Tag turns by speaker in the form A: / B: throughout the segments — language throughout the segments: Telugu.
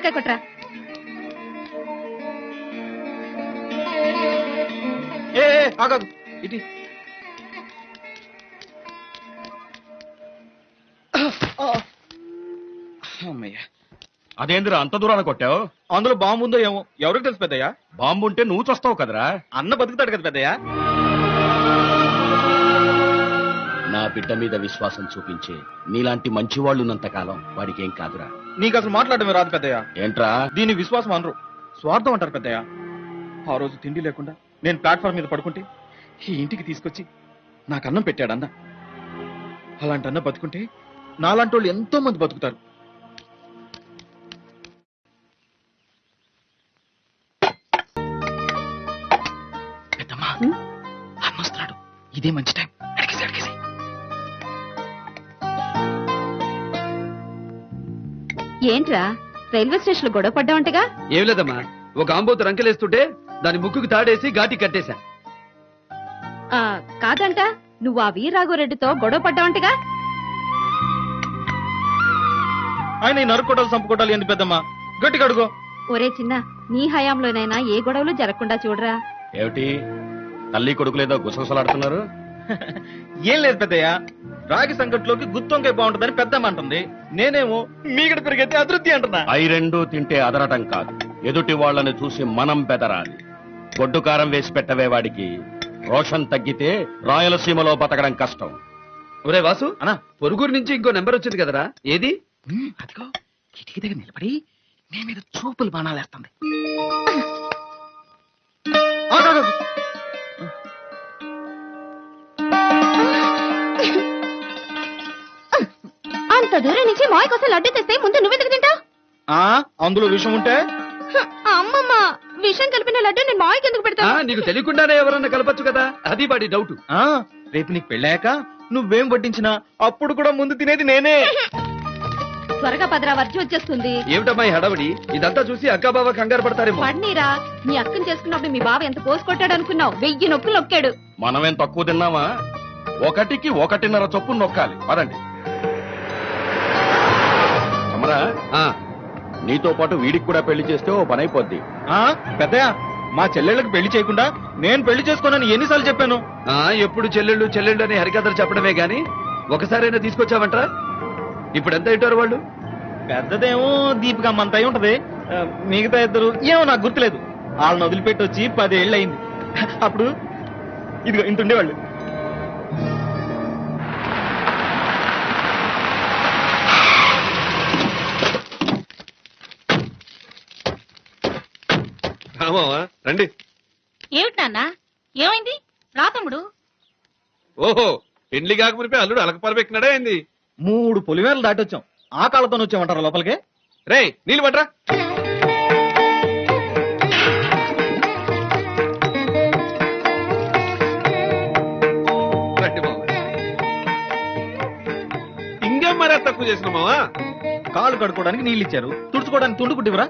A: కొబ్బరికాయ కొట్రా.
B: ఆగదు ఇటీ.
C: అదేందిరా అంత దూరాన్ని కొట్టావు?
B: అందులో బాంబు ఉందో ఏమో, ఎవరికి తెలుసు పెద్దయ్యా?
C: బాంబు ఉంటే నువ్వు చస్తావు కదరా.
B: అన్న బతుకుతాడు కదా పెద్దయ్యా.
C: నా బిడ్డ మీద విశ్వాసం చూపించే నీలాంటి మంచివాళ్ళు ఉన్నంతకాలం వాడికి ఏం కాదురా.
B: నీకు అసలు మాట్లాడమే రాదు పెద్దయ్యా.
C: ఏంట్రా?
B: దీని విశ్వాసం అనరు, స్వార్థం అంటారు పెద్దయ్యా. ఆ రోజు తిండి లేకుండా నేను ప్లాట్ఫామ్ మీద పడుకుంటే ఈ ఇంటికి తీసుకొచ్చి నాకు అన్నం పెట్టాడు అన్న. అలాంటి అన్న బతుకుంటే నాలాంటి వాళ్ళు ఎంతో మంది బతుకుతారు. పెద్దమ్మా అన్న వస్తున్నాడు, ఇదే మంచి టైం. అడిగేసి అడిగేసి.
A: ఏంట్రా రైల్వే స్టేషన్ లో గొడవ పడ్డావంటగా?
D: ఏం లేదమ్మా, ఒక ఆంబోతు రంకెలేస్తుంటే దాని ముక్కుకు తాడేసి ఘాటి కట్టేశా.
A: కాదంట, నువ్వు ఆ వీరరాఘవరెడ్డితో గొడవ పడ్డావంటగా?
B: ఆయన ఈ నరుక్కోటాలు చంపుకోటాలు ఏంది పెద్దమ్మా? గట్టిగా అడుగు.
A: ఒరే చిన్న, నీ హయాంలోనైనా ఏ గొడవలు జరగకుండా చూడరా.
C: ఏమిటి తల్లి కొడుకులేదో గుసగుసలాడుతున్నారు?
B: ఏం లేదు పెద్దయ్య, రాగి సంకట్లోకి గుత్తొంకాయ బాగుంటుందని పెద్దమ్మ అంటుంది. నేనేమో మీగడ పెరిగైతే అతృప్తి అంటున్నా.
C: అయి రెండు తింటే అదరటం కాదు, ఎదుటి వాళ్ళని చూసి మనం బెదరాలి. గొడ్డు కారం వేసి పెట్టవే వాడికి. రోషన్ తగ్గితే రాయలసీమలో బతకడం కష్టం.
D: ఒరే వాసు,
B: అన్నా
D: పొరుగురు నుంచి ఇంకో నెంబర్ వచ్చింది కదరా, ఏది?
B: అదిగో కిటికీ దగ్గర నిలబడి నీ మీద చూపులు బాణాలేస్తుంది.
A: అంత దూరం నుంచి మాయ కోసం లడ్డు తెస్తే ముందు నువ్వెందుకు తింటావు?
B: అందులో విషయం ఉంటే
A: అమ్మమ్మ, విషం కలిపిన లడ్డు నేను మాయకి ఎందుకు పెడతా?
D: నీకు తెలియకుండానే ఎవరన్నా కలపచ్చు కదా, అది వాడి డౌట్.
B: రేపు నీకు పెళ్ళాక నువ్వేం వడ్డించినా అప్పుడు కూడా ముందు తినేది నేనే.
A: త్వరగా పదరా, వర్జి వచ్చేస్తుంది.
D: ఏమిటమ్మా ఈ హడావిడి? ఇదంతా చూసి అక్కా బావ కంగారు పడతారేమో.
A: పడ్నీరా, నీ అక్కని చేసుకున్నప్పుడు మీ బావ ఎంత కోసి కొట్టాడు అనుకున్నావు? 1000 నొక్కులు నొక్కాడు.
C: మనమేం తక్కువ తిన్నామా? 1కి 1.5 చొప్పున నొక్కాలి. పదండి. అమరా, నీతో పాటు వీడికి కూడా పెళ్లి చేస్తే ఓ పని అయిపోద్ది.
B: పెద్దయ్య, మా చెల్లెళ్ళకి పెళ్లి చేయకుండా నేను పెళ్లి చేసుకోనని ఎన్నిసార్లు చెప్పాను?
D: ఎప్పుడు చెల్లెళ్ళు చెల్లెళ్ళు అని హరికథలు చెప్పడమే గాని ఒకసారైనా తీసుకొచ్చావంటరా? ఇప్పుడు ఎంత ఇట్టారు వాళ్ళు?
B: పెద్దదేమో దీపిక అమ్మంత అయి ఉంటది, మిగతా ఇద్దరు ఏమో నాకు గుర్తులేదు. వాళ్ళని వదిలిపెట్టి వచ్చి 10 ఏళ్ళు అయింది. అప్పుడు ఇదిగో ఇంత ఉండేవాళ్ళు.
D: రండి.
A: ఏమిటి నాన్న, ఏమైంది? రా తమ్ముడు.
D: ఓహో, పెళ్లి కాకమునిపై అల్లుడు అలకపాలు పెట్టినాడా ఏంది?
B: 3 పొలిమేరలు దాటొచ్చాం. ఆ కాళ్ళతో వచ్చామంటారా లోపలికి?
D: రే నీళ్ళు పట్రా. ఇంకేం మరా తక్కువ చేసిన మావా?
B: కాళ్ళు కడుక్కోవడానికి నీళ్ళు ఇచ్చారు, తుడుచుకోవడానికి తుండు కుట్టివరా?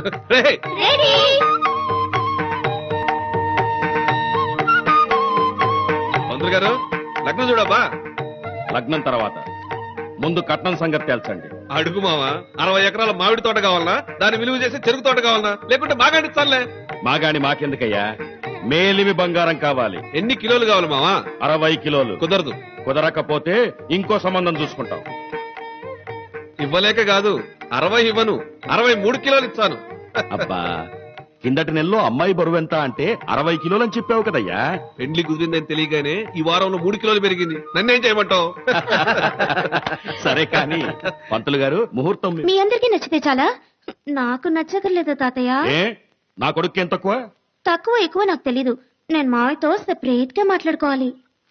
D: మంత్రులు గారు, లగ్నం చూడబ్బా.
C: లగ్నం తర్వాత ముందు కట్నం సంగతి తేల్చండి.
D: అడుగు మావా, 60 ఎకరాల మామిడి తోట కావాలనా, దాన్ని విలువ చేసి చెరుకు తోట కావాలనా, లేకుంటే మాగాడి చాలే?
C: మాగాని మాకెందుకయ్యా, మేలిమి బంగారం కావాలి.
D: ఎన్ని కిలోలు కావాలి మావా?
C: 60 కిలోలు.
D: కుదరదు.
C: కుదరకపోతే ఇంకో సంబంధం చూసుకుంటాం.
D: ఇవ్వలేక కాదు, 60 ఇవ్వను, 63 కిలోలు ఇస్తాను.
C: అబ్బా, కిందటి నెలలో అమ్మాయి బరువు ఎంత అంటే 60 కిలోలు అని చెప్పావు కదయ్యా.
D: పెండ్లి కుదిరిందని తెలియగానే ఈ వారంలో 3 కిలోలు పెరిగింది. నన్నేం చేయమంటావు?
C: సరే కానీ పంతులు గారు, ముహూర్తం
A: మీ అందరికీ నచ్చితే చాలా, నాకు నచ్చకర్లేదు తాతయ్య.
C: ఏ నా కొడుకు ఏం తక్కువ?
A: తక్కువ ఎక్కువ నాకు తెలీదు. నేను మావయ్యతో సెపరేట్ గా మాట్లాడుకోవాలి.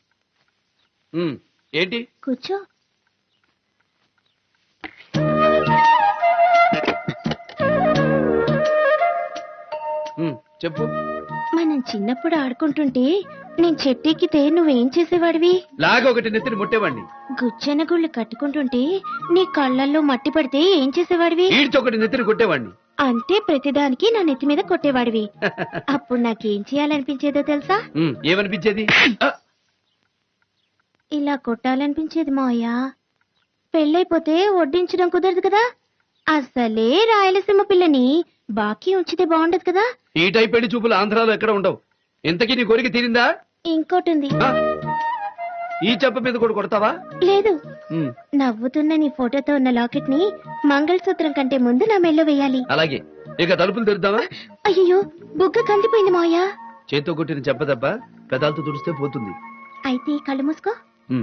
D: ఏంటి?
A: కూర్చో.
D: చెప్పు.
A: మనం చిన్నప్పుడు ఆడుకుంటుంటే నేను చెట్టెక్కితే నువ్వేం చేసేవాడివి?
D: లాగా ఒకటి నెత్తిని ముట్టేవాడిని.
A: గుచ్చెన గుళ్ళు కట్టుకుంటుంటే నీ కళ్ళల్లో మట్టి పడితే ఏం చేసేవాడివి?
D: ఈడ్చొకటి నెత్తిని కొట్టేవాడిని.
A: అంటే ప్రతిదానికి నా నెత్తి మీద కొట్టేవాడివి. అప్పుడు నాకేం చేయాలనిపించేదో తెలుసా?
D: ఏమనిపించేది?
A: ఇలా కొట్టాలనిపించేది మావయ్య. పెళ్ళైపోతే వడ్డించడం కుదరదు కదా, అసలే రాయలసీమ పిల్లని బాకీ ఉంచితే బాగుండదు కదా.
D: ఈ టైప్ పెళ్లి చూపులు ఆంధ్రాలో ఎక్కడ ఉండవు. ఇంతకీ నీ కోరిక తీరిందా?
A: ఇంకోటి ఉంది.
D: ఆ? ఈ చెప్ప మీద కూడా కొడతావా?
A: లేదు, నవ్వుతున్న నీ ఫోటోతో ఉన్న లాకెట్ ని మంగళసూత్రం కంటే ముందు నా మెళ్ళో వేయాలి.
D: అలాగే. ఇక తలుపులు తెరుద్దామా?
A: అయ్యో, బుగ్గ కందిపోయింది మావయ్య.
D: చేత్తో కొట్టిన చెప్ప దెబ్బ పెదాలతో తుడిస్తే పోతుంది.
A: అయితే కళ్ళు మూసుకో.
D: ఉమ్.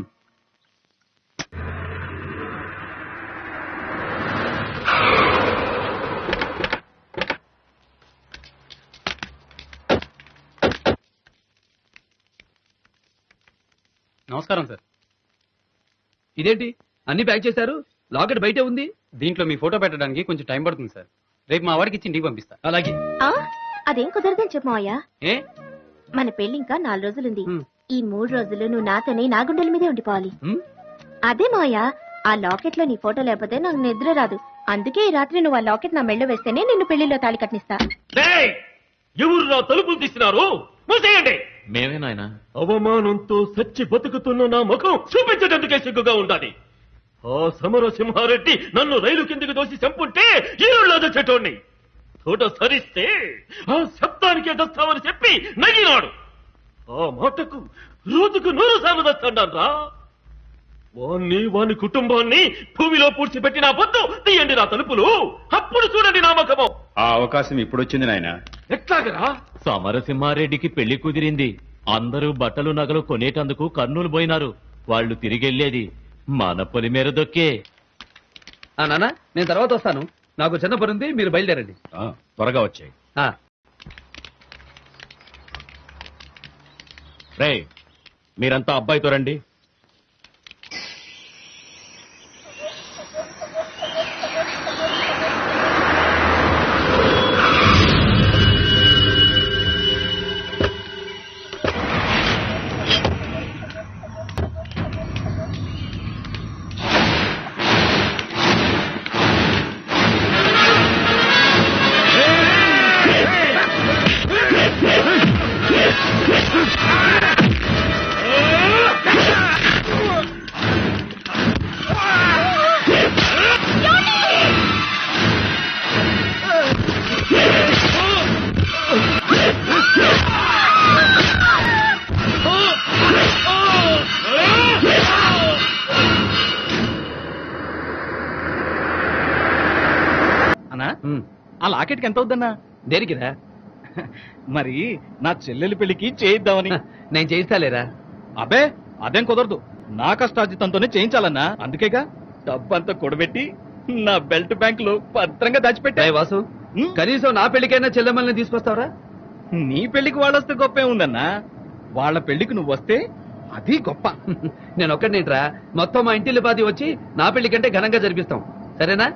E: నమస్కారం సార్.
D: ఇదేంటి అన్ని ప్యాక్ చేశారు? లాకెట్ బయటే ఉంది.
E: దీంట్లో మీ ఫోటో పెట్టడానికి కొంచెం టైం పడుతుంది సార్. రేపు మా వాడికి ఇచ్చి ఇంటికి పంపిస్తా.
D: అలాగే.
A: ఆ అదేం కుదరదని చెప్పు మావయ్య.
D: ఏ?
A: మన పెళ్లి ఇంకా 4 రోజులుంది.
D: ఉమ్.
A: ఈ 3 రోజులు నువ్వు నాతోనే నా గుండెల మీదే ఉండిపోవాలి.
D: ఉమ్?
A: అదే మావయ్య, ఆ లాకెట్ లో నీ ఫోటో లేకపోతే నాకు నిద్ర రాదు. అందుకే ఈ రాత్రి నువ్వు ఆ లాకెట్ నా మెళ్ళో వేస్తేనే నిన్ను పెళ్లిలో తాళి కట్టిస్తా.
C: ఎవరు తలుపులు తీసినారు? మూసేయండి.
B: మేమే నాయనా.
C: అవమానంతో సచ్చి బతుకుతున్న నా ముఖం చూపించడానికి సిగ్గుగా ఉండాలి. ఆ సమరసింహారెడ్డి నన్ను రైలు కిందకి దోసి చంపుంటే ఈరుళ్ళో చెట్టోణ్ణి తోట సరిస్తే ఆ శబ్దానికే దస్తామని చెప్పి నగినాడు. ఆ మాటకు రోజుకు 100 సార్లు దస్తాను రా. వాణ్ణి వాని కుటుంబాన్ని భూమిలో పూడ్చిపెట్టి నా పొద్దు తీయండి నా తలుపులు. అప్పుడు చూడండి నా ముఖము.
F: ఆ అవకాశం ఇప్పుడొచ్చింది నాయన.
C: ఎట్లాగరా?
G: సమరసింహారెడ్డికి పెళ్లి కుదిరింది. అందరూ బట్టలు నగలు కొనేటందుకు కర్నూలు పోయినారు. వాళ్ళు తిరిగెళ్లేది మన పొలి మేర దొక్కే.
D: ఆ నాన్న, నేను తర్వాత వస్తాను. నాకు చిన్న పని ఉంది, మీరు బయలుదేరండి.
C: త్వరగా వచ్చాయి.
D: ఆ.
C: రే, మీరంతా అబ్బాయితో రండి.
B: అన్నా,
D: ఉమ్.
B: ఆ లాకెట్ కి ఎంత అవుద్దన్నా?
D: దేనికిరా?
B: మరి నా చెల్లెలి పెళ్లికి చేయిద్దామని.
D: నేను చేయిస్తాలేరా?
B: అబ్బే, అదేం కుదరదు. నా కష్టార్జితంతోనే చేయించాలన్నా. అందుకేగా డబ్బంతా కూడబెట్టి నా బెల్ట్ బ్యాంక్ లో భద్రంగా దాచిపెట్టా.
D: రేయ్ వాసు, కనీసం నా పెళ్లికైనా చెల్లెమ్మల్ని తీసుకొస్తావరా?
B: నీ పెళ్లికి వాళ్ళొస్తే గొప్పే ఉందన్నా. వాళ్ళ పెళ్లికి నువ్వు వస్తే అది గొప్ప.
D: నేను ఒక్కడినేంట్రా, మొత్తం మా ఇంటిల్లి పాది వచ్చి నా పెళ్లి కంటే ఘనంగా జరిపిస్తాం. సరేనా?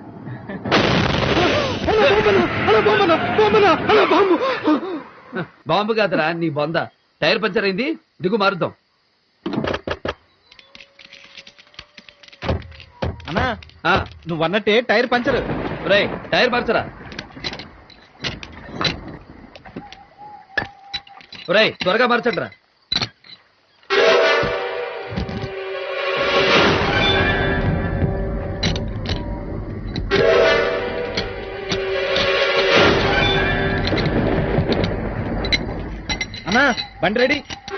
D: బాంబు కాదురా, నీ బొంద. టైర్ పంచర్ అయింది, దిగు మారుద్దాం.
B: అన్నా,
D: ఆ,
B: నువ్వన్నట్టే టైర్ పంచర్.
D: రేయ్, టైర్ మార్చరా. రేయ్, త్వరగా మార్చండి రా.
B: అన్నా, బండి రెడీ.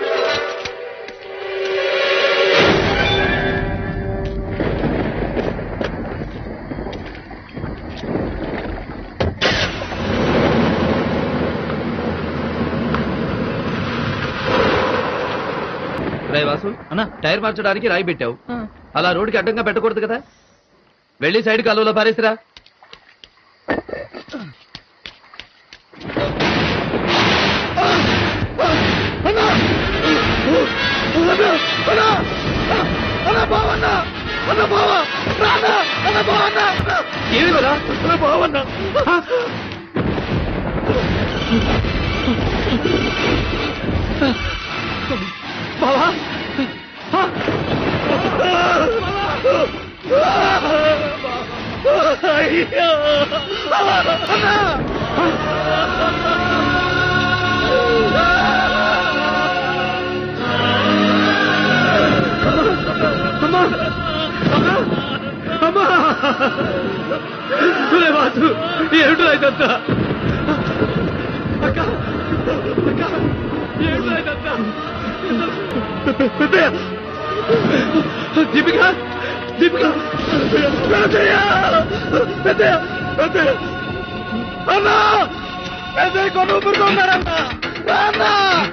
D: రేయ్ వాసు,
B: అన్నా,
D: టైర్ మార్చడానికి రాయి పెట్టావు. అలా రోడ్డుకి అడ్డంగా పెట్టకూడదు కదా. వెళ్ళి సైడ్ కాలువలో పారేసిరా. ఏమిరా బావన్నా? బావా, అమ్మా ఒరే వాసు ఏమిటో ఇదంతా అక్క అక్క ఏమిటో ఇదంతా పెద్దయ్య దీపిక దీపిక పెద్దయ్య పెద్దయ్య పెద్దయ్య అన్నా పెద్దయ్య కొను ఊరుకున్నారన్నా అన్నా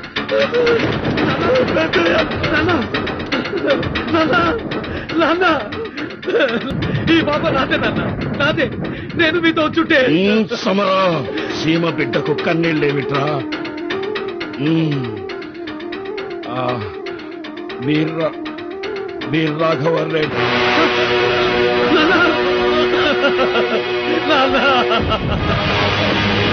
D: పెద్దయ్య నాన్న నాన్న నాన్న ఈ బాబా నాదే నాన్న నాదే నేను మీతో చుట్టే
H: సమరా సీమ బిడ్డకు కన్నీళ్ళేమిట్రా వీర రాఘవర్ రెడ్డి
D: నాన్న నాన్న